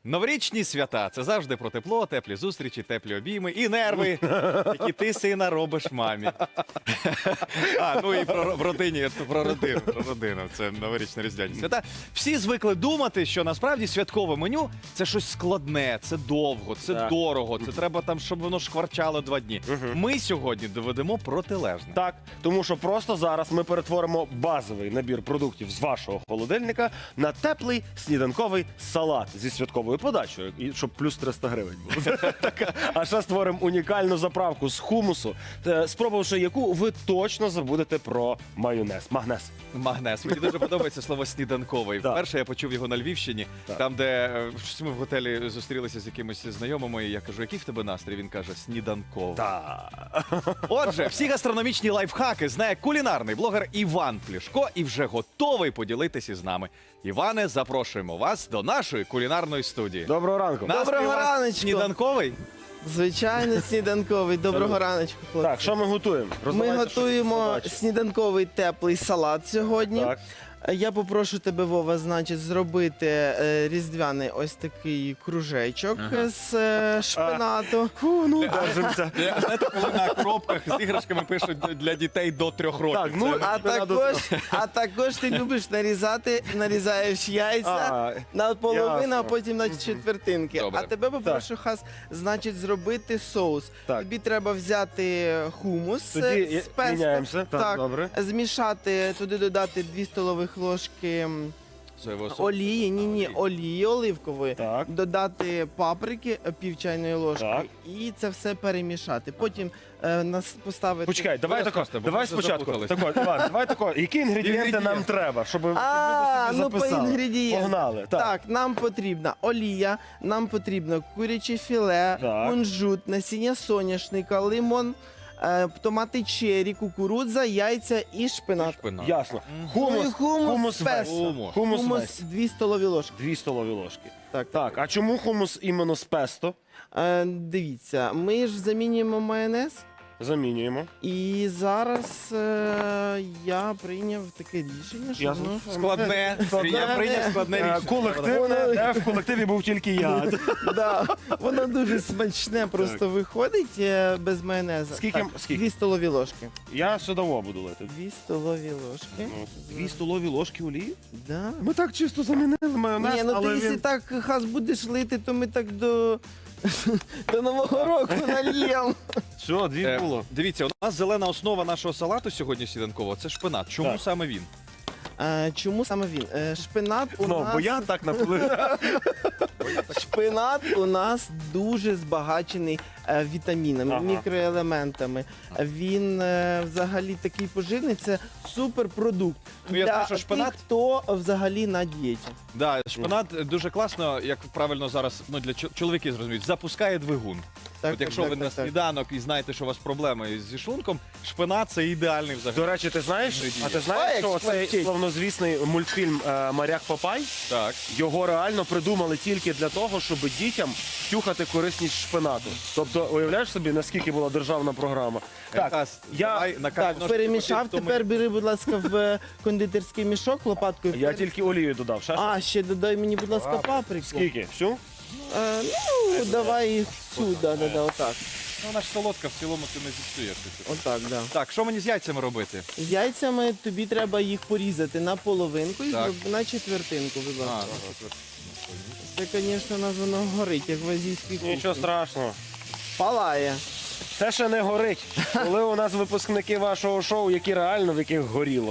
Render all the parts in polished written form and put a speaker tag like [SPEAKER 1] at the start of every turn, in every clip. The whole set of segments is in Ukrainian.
[SPEAKER 1] Новорічні свята – це завжди про тепло, теплі зустрічі, теплі обійми і нерви, які ти, сина, робиш мамі. Ну і про родину. Це новорічні різдвяні свята. Всі звикли думати, що насправді святкове меню – це щось складне, це довго, це дорого, це треба там, щоб воно шкварчало 2 дні. Ми сьогодні доведемо протилежне.
[SPEAKER 2] Так, тому що просто зараз ми перетворимо базовий набір продуктів з вашого холодильника на теплий сніданковий салат зі святковою подачею, і щоб плюс 300 гривень було. А ще створимо унікальну заправку з хумусу, спробувавши яку ви точно забудете про майонез.
[SPEAKER 1] Магнез. Мені дуже подобається слово «сніданковий». Вперше я почув його на Львівщині, там, де щось ми в готелі зустрілися з якимось знайомими, і я кажу, який в тебе настрій? Він каже, сніданковий. Отже, всі гастрономічні лайфхаки знає кулінарний блогер Іван Плішко і вже готовий поділитися з нами. Іване, запрошуємо вас до нашої кулінарної студії.
[SPEAKER 2] Доброго ранку.
[SPEAKER 3] Доброго раночку.
[SPEAKER 1] Сніданковий?
[SPEAKER 3] Звичайно, сніданковий. Доброго раночку, хлопці.
[SPEAKER 2] Так, що ми готуємо?
[SPEAKER 3] Ми
[SPEAKER 2] Роздавайте,
[SPEAKER 3] готуємо
[SPEAKER 2] що
[SPEAKER 3] сніданковий теплий салат сьогодні.
[SPEAKER 2] Так.
[SPEAKER 3] Я попрошу тебе, Вова, значить, зробити різдвяний ось такий кружечок з шпинату.
[SPEAKER 2] Держимося.
[SPEAKER 1] Знаєте, коли на коробках з іграшками пишуть для дітей до 3 років.
[SPEAKER 2] Так, ну,
[SPEAKER 1] Це-
[SPEAKER 3] А також ти любиш нарізати, нарізаєш яйця на половину, а
[SPEAKER 2] ясно.
[SPEAKER 3] потім на четвертинки.
[SPEAKER 1] Добре.
[SPEAKER 3] А тебе попрошу, Хас, значить, зробити соус.
[SPEAKER 2] Так.
[SPEAKER 3] Тобі треба взяти хумус
[SPEAKER 2] Тоді
[SPEAKER 3] з песто.
[SPEAKER 2] міняємося. Так, добре.
[SPEAKER 3] Змішати, туди додати 2 столових ложки
[SPEAKER 1] Соєвого соусу.
[SPEAKER 3] олії, олії оливкової,
[SPEAKER 2] Так.
[SPEAKER 3] додати паприки, пів чайної ложки,
[SPEAKER 2] Так.
[SPEAKER 3] і це все перемішати. Потім нас поставити...
[SPEAKER 2] Почекай, давай
[SPEAKER 1] Буде
[SPEAKER 2] тако.
[SPEAKER 1] просто, бо
[SPEAKER 2] Давай
[SPEAKER 1] ми
[SPEAKER 2] спочатку.
[SPEAKER 1] заплутались.
[SPEAKER 2] Тако, Іван, давай тако. Які інгредієнти нам треба, щоб люди собі
[SPEAKER 3] Ну, по
[SPEAKER 2] записали?
[SPEAKER 3] інгредієнтам.
[SPEAKER 2] Погнали.
[SPEAKER 3] Так, нам потрібна олія, нам потрібно куряче філе,
[SPEAKER 2] Так.
[SPEAKER 3] кунжут, насіння соняшника, лимон, томати черрі, кукурудза, яйця і шпинат.
[SPEAKER 1] Шпинат.
[SPEAKER 2] Ясно.
[SPEAKER 3] Ну, і
[SPEAKER 2] Хумус весь.
[SPEAKER 1] Хумус.
[SPEAKER 2] Хумус
[SPEAKER 3] Хумус
[SPEAKER 2] весь.
[SPEAKER 3] 2 столові ложки.
[SPEAKER 2] 2 столові ложки.
[SPEAKER 3] Так.
[SPEAKER 2] Так, а чому хумус іменно з песто?
[SPEAKER 3] Дивіться, ми ж замінюємо майонез.
[SPEAKER 2] Замінюємо.
[SPEAKER 3] І зараз я прийняв таке рішення, що
[SPEAKER 2] Ясно.
[SPEAKER 3] воно
[SPEAKER 1] Складне. Я прийняв складне рішення.
[SPEAKER 2] Колективне, де в колективі був тільки я.
[SPEAKER 3] воно дуже смачне просто виходить без майонезу.
[SPEAKER 2] Скільки?
[SPEAKER 3] 2 столові ложки.
[SPEAKER 2] Я судово буду лити.
[SPEAKER 3] 2 столові ложки.
[SPEAKER 2] 2 столові ложки олії?
[SPEAKER 3] Да.
[SPEAKER 2] Ми так чисто замінили майонез,
[SPEAKER 3] Ні, ну ти
[SPEAKER 2] але
[SPEAKER 3] якщо
[SPEAKER 2] він...
[SPEAKER 3] так, Хас, будеш лити, то ми так до Нового року нальємо.
[SPEAKER 2] Все, 2 було.
[SPEAKER 1] Дивіться, у нас зелена основа нашого салату сьогодні сніданкового – це шпинат. Чому
[SPEAKER 2] Так.
[SPEAKER 1] саме він?
[SPEAKER 3] Чому саме він? Шпинат у
[SPEAKER 2] Ну,
[SPEAKER 3] нас...
[SPEAKER 2] бо я так наплив.
[SPEAKER 3] Шпинат у нас дуже збагачений вітамінами,
[SPEAKER 2] Ага.
[SPEAKER 3] мікроелементами. Він взагалі такий поживний, це суперпродукт
[SPEAKER 1] Ну, я
[SPEAKER 3] для
[SPEAKER 1] знаю, що шпинат-
[SPEAKER 3] тих, хто взагалі на дієті.
[SPEAKER 1] Да, шпинат дуже класно, як правильно зараз, ну для чоловіків зрозуміють, запускає двигун.
[SPEAKER 3] Так,
[SPEAKER 1] От якщо ви на сніданок і знаєте, що у вас проблеми зі шлунком, шпинат це ідеальний взагалі.
[SPEAKER 2] До речі, ти знаєш,
[SPEAKER 3] Ой,
[SPEAKER 2] що
[SPEAKER 3] як
[SPEAKER 2] цей
[SPEAKER 3] смачить.
[SPEAKER 2] славнозвісний мультфільм «Моряк Папай»,
[SPEAKER 1] Так.
[SPEAKER 2] його реально придумали тільки для того, щоб дітям втюхати корисність шпинату. Тобто, уявляєш собі, наскільки була державна програма?
[SPEAKER 1] Якраз, давай на
[SPEAKER 3] Так,
[SPEAKER 1] ножки
[SPEAKER 3] перемішав,
[SPEAKER 1] потім, хто
[SPEAKER 3] тепер бери, будь ласка, в кондитерський мішок лопаткою.
[SPEAKER 2] Я тільки олію додав.
[SPEAKER 3] Ще додай мені, будь ласка, паприку.
[SPEAKER 2] Скільки? Всю?
[SPEAKER 3] Давай їх сюди, отак.
[SPEAKER 1] Ну, вона ж солодка, в цілому ти не зіпсуєш.
[SPEAKER 3] Отак, да.
[SPEAKER 1] Так, що мені з яйцями робити?
[SPEAKER 3] З яйцями тобі треба їх порізати на половинку і
[SPEAKER 1] Так.
[SPEAKER 3] на четвертинку, будь
[SPEAKER 1] А,
[SPEAKER 3] ласка. Це, звісно, у нас воно горить, як в азійській кухні.
[SPEAKER 2] Нічого страшного.
[SPEAKER 3] Палає.
[SPEAKER 2] Це ще не горить. Коли у нас випускники вашого шоу, які реально в яких горіло.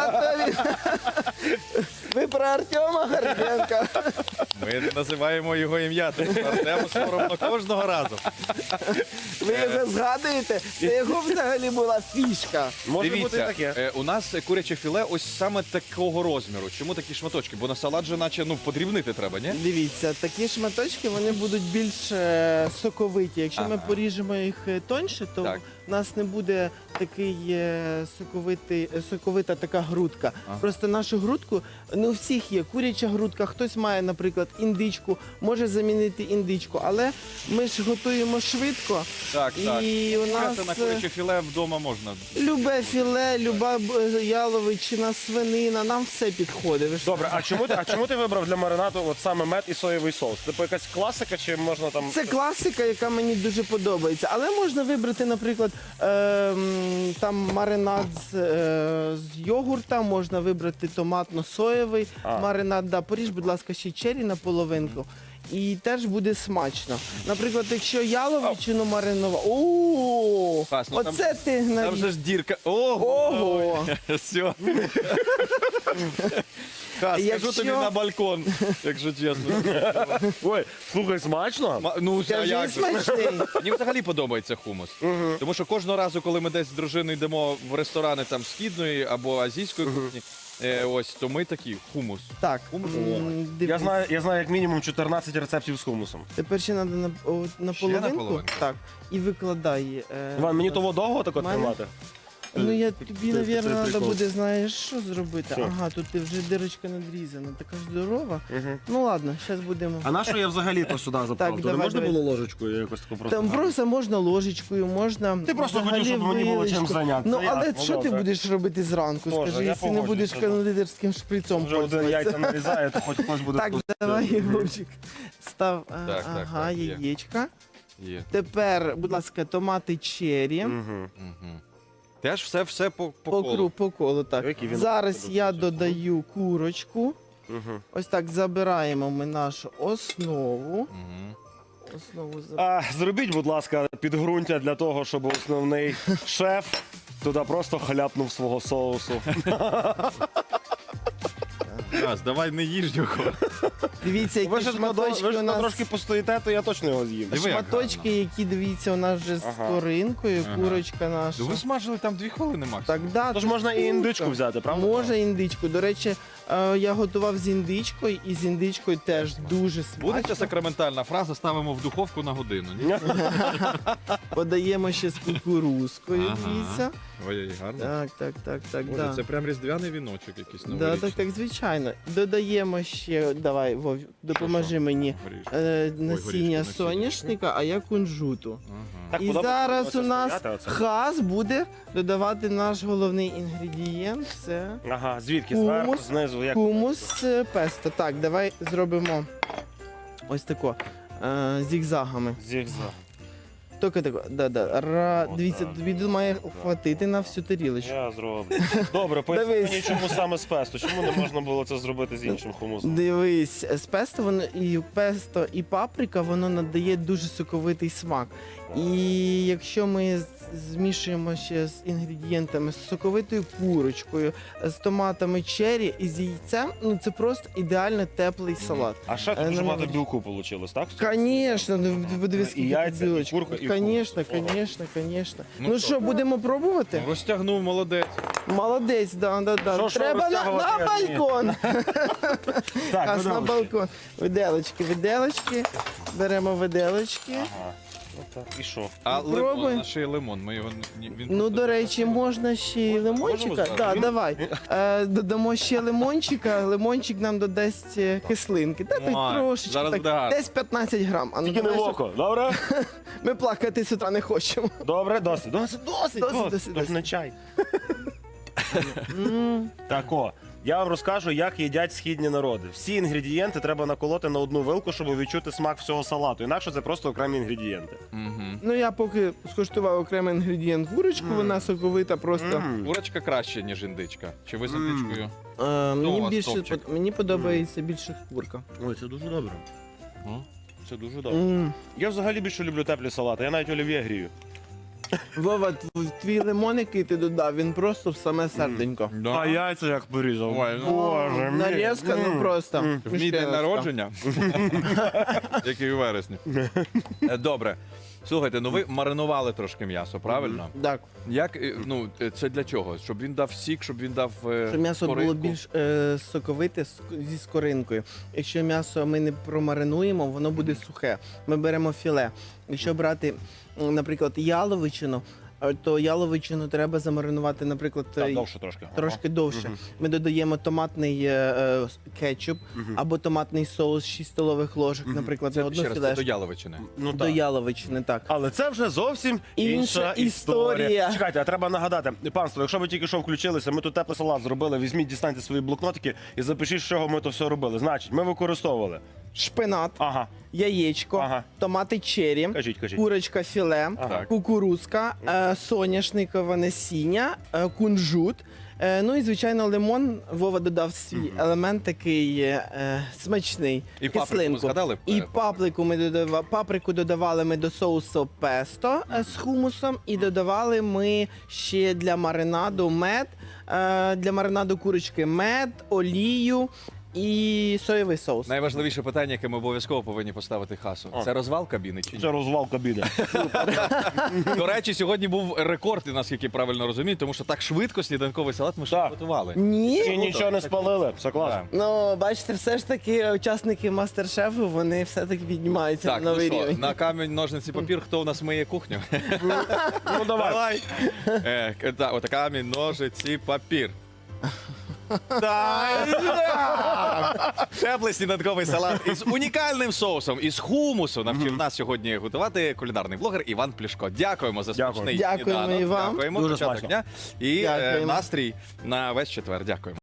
[SPEAKER 3] Ви про Артема Горденка.
[SPEAKER 1] Ми називаємо його ім'я, тому Артему соромно кожного разу.
[SPEAKER 3] Ви його згадуєте? Це його взагалі була фішка.
[SPEAKER 2] Може бути і
[SPEAKER 1] Дивіться,
[SPEAKER 2] таке.
[SPEAKER 1] у нас куряче філе ось саме такого розміру. Чому такі шматочки? Бо на салат же наче подрібнити треба, ні?
[SPEAKER 3] Дивіться, такі шматочки вони будуть більш соковиті. Якщо ми
[SPEAKER 1] Ага.
[SPEAKER 3] поріжемо їх тоньше, то
[SPEAKER 1] Так.
[SPEAKER 3] у нас не буде такий соковита така грудка.
[SPEAKER 1] Ага.
[SPEAKER 3] Просто нашу грудку, не у всіх є куряча грудка, хтось має, наприклад, індичку, може замінити індичку, але ми ж готуємо швидко.
[SPEAKER 1] Так, так.
[SPEAKER 3] І у нас
[SPEAKER 1] Це на куряче філе вдома можна.
[SPEAKER 3] любе філе, люба яловичина, свинина, нам все підходить. Ви ж
[SPEAKER 2] Добре, а чому ти вибрав для маринаду от саме мед і соєвий соус? Типу якась класика, чи можна там.
[SPEAKER 3] Це класика, яка мені дуже подобається. Але можна вибрати, наприклад, там маринад з йогурта, можна вибрати томатно-соєвий маринад. Да, поріж, будь ласка, ще чері на половинку. І теж буде смачно. Наприклад, якщо яловичину маринувати... О,
[SPEAKER 1] Хас, ну там-
[SPEAKER 3] оце ти
[SPEAKER 1] Там
[SPEAKER 3] навіть.
[SPEAKER 1] же ж дірка. Ого!
[SPEAKER 3] Ого!
[SPEAKER 1] Все. Хас,
[SPEAKER 3] Якщо-
[SPEAKER 1] скажу тобі на балкон, якщо чесно.
[SPEAKER 2] Ой, слухай, смачно?
[SPEAKER 1] Ну, а
[SPEAKER 3] Скажи,
[SPEAKER 1] як же?
[SPEAKER 3] смачний.
[SPEAKER 1] Мені взагалі подобається хумус. Тому що кожного разу, коли ми десь з дружиною йдемо в ресторани там східної або азійської кухні, ось, то ми такі хумус.
[SPEAKER 3] Так,
[SPEAKER 1] Хумус?
[SPEAKER 3] дивись.
[SPEAKER 2] Я знаю як мінімум 14 рецептів з хумусом.
[SPEAKER 3] Тепер ще треба на
[SPEAKER 1] Ще на
[SPEAKER 3] половинку.
[SPEAKER 1] половинку?
[SPEAKER 3] Так, і викладай.
[SPEAKER 2] Іван, мені того довго так от
[SPEAKER 3] Мене?
[SPEAKER 2] тримати?
[SPEAKER 3] Ну я
[SPEAKER 2] Це
[SPEAKER 3] тобі, навірно, треба
[SPEAKER 2] прикол.
[SPEAKER 3] буде, знаєш, що зробити.
[SPEAKER 2] Що?
[SPEAKER 3] Ага, тут вже дирочка надрізана, така ж здорова.
[SPEAKER 2] Угу.
[SPEAKER 3] Ну ладно, зараз будемо.
[SPEAKER 2] А на що я взагалі то сюди заправив?
[SPEAKER 3] давай,
[SPEAKER 2] Не можна
[SPEAKER 3] давай.
[SPEAKER 2] було ложечкою якось тако просто?
[SPEAKER 3] Там просто можна ложечкою, можна.
[SPEAKER 2] Ти просто
[SPEAKER 3] взагалі
[SPEAKER 2] хотів, щоб мені було чим
[SPEAKER 3] вилочкою.
[SPEAKER 2] зайнятися.
[SPEAKER 3] Ну
[SPEAKER 2] Я,
[SPEAKER 3] але
[SPEAKER 2] ну,
[SPEAKER 3] що ти
[SPEAKER 2] добре.
[SPEAKER 3] будеш робити зранку?
[SPEAKER 2] Боже,
[SPEAKER 3] Скажи,
[SPEAKER 2] я
[SPEAKER 3] якщо не будеш
[SPEAKER 2] погоджуюся, да.
[SPEAKER 3] кондитерським шприцом
[SPEAKER 2] Вже один
[SPEAKER 3] пользуватися.
[SPEAKER 2] яйця нарізає, то хоч хтось буде
[SPEAKER 3] Так,
[SPEAKER 2] вкусити.
[SPEAKER 3] давай, Єгорчик. Став,
[SPEAKER 1] так,
[SPEAKER 3] ага,
[SPEAKER 1] так, є.
[SPEAKER 3] яєчка.
[SPEAKER 1] Є.
[SPEAKER 3] Тепер, будь ласка, томати черрі.
[SPEAKER 2] Мгм.
[SPEAKER 1] Мгм. Теж все по
[SPEAKER 3] По
[SPEAKER 1] колу.
[SPEAKER 3] по колу, так.
[SPEAKER 2] Який він
[SPEAKER 3] Зараз
[SPEAKER 2] дуже
[SPEAKER 3] я
[SPEAKER 2] вкусний.
[SPEAKER 3] додаю курочку.
[SPEAKER 2] Мгм.
[SPEAKER 3] Ось так забираємо ми нашу основу.
[SPEAKER 1] Мгм.
[SPEAKER 3] Основу забираємо.
[SPEAKER 2] Зробіть, будь ласка, підґрунтя для того, щоб основний шеф туди просто хляпнув свого соусу.
[SPEAKER 1] Хас, давай не їж його.
[SPEAKER 3] Дивіться,
[SPEAKER 2] Ви
[SPEAKER 3] які
[SPEAKER 2] ж
[SPEAKER 3] шматочки у нас.
[SPEAKER 2] трошки постоїте, то я точно його з'їм.
[SPEAKER 1] Диви, як
[SPEAKER 3] Шматочки, які, дивіться, у нас вже з
[SPEAKER 2] Ага.
[SPEAKER 3] коринкою,
[SPEAKER 1] Ага.
[SPEAKER 3] курочка наша.
[SPEAKER 1] Ви смажили там 2 хвилини максимум.
[SPEAKER 3] Так, да,
[SPEAKER 2] Тож
[SPEAKER 3] тут
[SPEAKER 2] можна і
[SPEAKER 3] курка.
[SPEAKER 2] індичку взяти, правда?
[SPEAKER 3] Можна індичку. До речі, я готував з індичкою, і з індичкою теж дуже
[SPEAKER 1] Буде ця
[SPEAKER 3] смачно.
[SPEAKER 1] сакраментальна фраза, ставимо в духовку на годину. Ні?
[SPEAKER 3] Подаємо ще з кукурузкою,
[SPEAKER 1] Ага.
[SPEAKER 3] дивіться.
[SPEAKER 1] Ой, гарно.
[SPEAKER 3] Так,
[SPEAKER 1] Боже,
[SPEAKER 3] да.
[SPEAKER 1] це прям різдвяний віночок якийсь
[SPEAKER 3] Да,
[SPEAKER 1] новорічний.
[SPEAKER 3] так, звичайно. Додаємо ще, давай, Вов, допоможи
[SPEAKER 1] Що?
[SPEAKER 3] мені.
[SPEAKER 1] Горішки.
[SPEAKER 3] Насіння
[SPEAKER 1] горішки,
[SPEAKER 3] соняшника, а я кунжуту.
[SPEAKER 1] Ага.
[SPEAKER 2] Так
[SPEAKER 3] І
[SPEAKER 2] подобається
[SPEAKER 3] зараз
[SPEAKER 2] оце
[SPEAKER 3] у нас
[SPEAKER 2] стояти оце?
[SPEAKER 3] хас буде додавати наш головний інгредієнт. Це
[SPEAKER 2] Ага, звідки?
[SPEAKER 3] Хумус.
[SPEAKER 2] Зверху, знизу, як?
[SPEAKER 3] хумус песто. Так, давай зробимо ось тако. Зігзагами.
[SPEAKER 2] Зігзаг.
[SPEAKER 3] Тільки тако. Дивіться,
[SPEAKER 2] Отак.
[SPEAKER 3] тобі має хватити на всю тарілочку.
[SPEAKER 2] Я зроблю. Добре, поясни
[SPEAKER 3] Дивись.
[SPEAKER 2] мені, чому саме з песто. Чому не можна було це зробити з іншим хумусом?
[SPEAKER 3] Дивись, з песто і паприка, воно надає дуже соковитий смак. І якщо ми змішуємо ще з інгредієнтами, з соковитою курочкою, з томатами черрі і з яйцем, ну це просто ідеально теплий салат.
[SPEAKER 2] А ще тут дуже
[SPEAKER 3] ну,
[SPEAKER 2] багато білку вийшло, так?
[SPEAKER 3] Конечно, ну подивись,
[SPEAKER 2] І
[SPEAKER 3] скільки
[SPEAKER 2] яйця,
[SPEAKER 3] тут
[SPEAKER 2] і
[SPEAKER 3] білочки.
[SPEAKER 2] курка, і
[SPEAKER 3] Конечно,
[SPEAKER 2] хумус.
[SPEAKER 3] конечно, конечно.
[SPEAKER 1] Ну
[SPEAKER 3] Ну
[SPEAKER 1] що?
[SPEAKER 3] що, будемо пробувати?
[SPEAKER 1] Ну, розтягнув, молодець.
[SPEAKER 3] Молодець, да.
[SPEAKER 2] Що
[SPEAKER 3] Треба на
[SPEAKER 2] розтягувати, а ні?
[SPEAKER 3] балкон.
[SPEAKER 2] Так,
[SPEAKER 3] Аж на
[SPEAKER 2] виделочки.
[SPEAKER 3] балкон. Виделочки. Беремо виделочки.
[SPEAKER 2] Ага. Отак. І що?
[SPEAKER 1] А
[SPEAKER 3] Пробуй.
[SPEAKER 1] лимон, а ще й лимон. Ми його він
[SPEAKER 3] Ну,
[SPEAKER 1] просто
[SPEAKER 3] до речі, можна ще й лимончика.
[SPEAKER 2] можемо
[SPEAKER 3] Да,
[SPEAKER 2] сказати?
[SPEAKER 3] давай. Додамо ще лимончика. Лимончик нам додасть кислинки. Та так
[SPEAKER 1] Ой,
[SPEAKER 3] трошечки.
[SPEAKER 1] зараз
[SPEAKER 3] Так,
[SPEAKER 1] буде гарно.
[SPEAKER 3] десь 15 грам. А ну,
[SPEAKER 2] Тільки не в
[SPEAKER 3] давай, щоб-
[SPEAKER 2] око, добре?
[SPEAKER 3] Ми плакати з утра не хочемо.
[SPEAKER 2] Добре, досить. Досить.
[SPEAKER 3] Досить.
[SPEAKER 2] Тож не чай.
[SPEAKER 3] М.
[SPEAKER 2] Так, я вам розкажу, як їдять східні народи. Всі інгредієнти треба наколоти на одну вилку, щоб відчути смак всього салату. Інакше це просто окремі інгредієнти.
[SPEAKER 1] Мгм.
[SPEAKER 3] Ну, я поки скуштував окремий інгредієнт курочку, вона соковита просто.
[SPEAKER 2] М.
[SPEAKER 1] Курочка краще, ніж індичка. Чи ви з індичкою? у
[SPEAKER 3] Мені
[SPEAKER 1] вас
[SPEAKER 3] більше
[SPEAKER 1] топчик?
[SPEAKER 3] мені подобається більше курка.
[SPEAKER 2] Ой, це дуже добре.
[SPEAKER 1] Ну, це дуже добре.
[SPEAKER 2] Я взагалі більше люблю теплі салати. Я навіть олів'є грію.
[SPEAKER 3] Вова, твій лимон, який ти додав, він просто в саме серденько.
[SPEAKER 1] Да.
[SPEAKER 2] А яйця як порізав.
[SPEAKER 1] Ой, ну,
[SPEAKER 2] Боже мій.
[SPEAKER 3] Нарізка, ну просто.
[SPEAKER 1] В мій день народження, який у вересні. Добре. Слухайте, ну ви маринували трошки м'ясо, правильно?
[SPEAKER 3] Так,
[SPEAKER 1] Як, ну, це для чого? Щоб він дав сік, щоб він дав
[SPEAKER 3] щоб м'ясо було
[SPEAKER 1] коринку?
[SPEAKER 3] більш соковите зі скоринкою. Якщо м'ясо ми не промаринуємо, воно буде сухе. Ми беремо філе. Якщо брати, наприклад, яловичину, то яловичину треба замаринувати, наприклад,
[SPEAKER 2] Так, довше трошки.
[SPEAKER 3] трошки довше. Ми додаємо томатний кетчуп або томатний соус 6 столових ложок, наприклад, на
[SPEAKER 1] Це,
[SPEAKER 3] одну
[SPEAKER 1] ще раз, це до
[SPEAKER 3] філешку.
[SPEAKER 1] яловичини.
[SPEAKER 2] Ну,
[SPEAKER 3] До
[SPEAKER 2] так.
[SPEAKER 3] яловичини, так.
[SPEAKER 2] Але це вже зовсім інша
[SPEAKER 3] Інша
[SPEAKER 2] історія.
[SPEAKER 3] історія.
[SPEAKER 2] Чекайте, а треба нагадати, панство, якщо ви тільки що включилися, ми тут теплий салат зробили, візьміть, дістаньте свої блокнотики і запишіть, з чого ми то все робили. Значить, ми використовували.
[SPEAKER 3] Шпинат,
[SPEAKER 2] Ага,
[SPEAKER 3] яєчко,
[SPEAKER 2] Ага.
[SPEAKER 3] томати черрі,
[SPEAKER 2] кажіть.
[SPEAKER 3] курочка філе,
[SPEAKER 1] Ага.
[SPEAKER 3] кукурузка, соняшникове насіння, кунжут. Ну і, звичайно, лимон. Вова додав свій елемент такий смачний.
[SPEAKER 1] І паприку
[SPEAKER 3] кислинку.
[SPEAKER 1] згадали?
[SPEAKER 3] І паприку додавали ми до соусу песто з хумусом. І додавали ми ще для маринаду мед, для маринаду курочки мед, олію і соєвий соус.
[SPEAKER 1] Найважливіше питання, яке ми обов'язково повинні поставити Хасу. Це розвал кабіни чи ні?
[SPEAKER 2] Це розвал кабіни.
[SPEAKER 1] До речі, сьогодні був рекорд, наскільки правильно розумію, тому що так швидко сніданковий салат ми ще
[SPEAKER 2] Так.
[SPEAKER 1] не готували.
[SPEAKER 2] І
[SPEAKER 3] Ні?
[SPEAKER 2] нічого не спалили. Все класно.
[SPEAKER 1] Так.
[SPEAKER 3] Ну, бачите, все ж таки учасники мастер-шефу, вони все-таки піднімаються
[SPEAKER 1] Так,
[SPEAKER 3] на
[SPEAKER 1] ну
[SPEAKER 3] новий
[SPEAKER 1] що,
[SPEAKER 3] рівень.
[SPEAKER 1] на камінь, ножниці, папір, хто у нас миє кухню?
[SPEAKER 2] Ну давай.
[SPEAKER 1] Так, от камінь, ножиці, папір. Теплий сніданковий салат із унікальним соусом, із хумусу навчив нас сьогодні готувати кулінарний блогер Іван Плішко. Дякуємо за
[SPEAKER 2] Дякую.
[SPEAKER 1] смачний
[SPEAKER 3] Дякуємо
[SPEAKER 1] сніданок.
[SPEAKER 3] і вам.
[SPEAKER 1] Дякуємо.
[SPEAKER 2] Дуже
[SPEAKER 1] Початок
[SPEAKER 2] смачно.
[SPEAKER 1] дня. І
[SPEAKER 3] Дякуємо.
[SPEAKER 1] настрій на весь четвер. Дякуємо.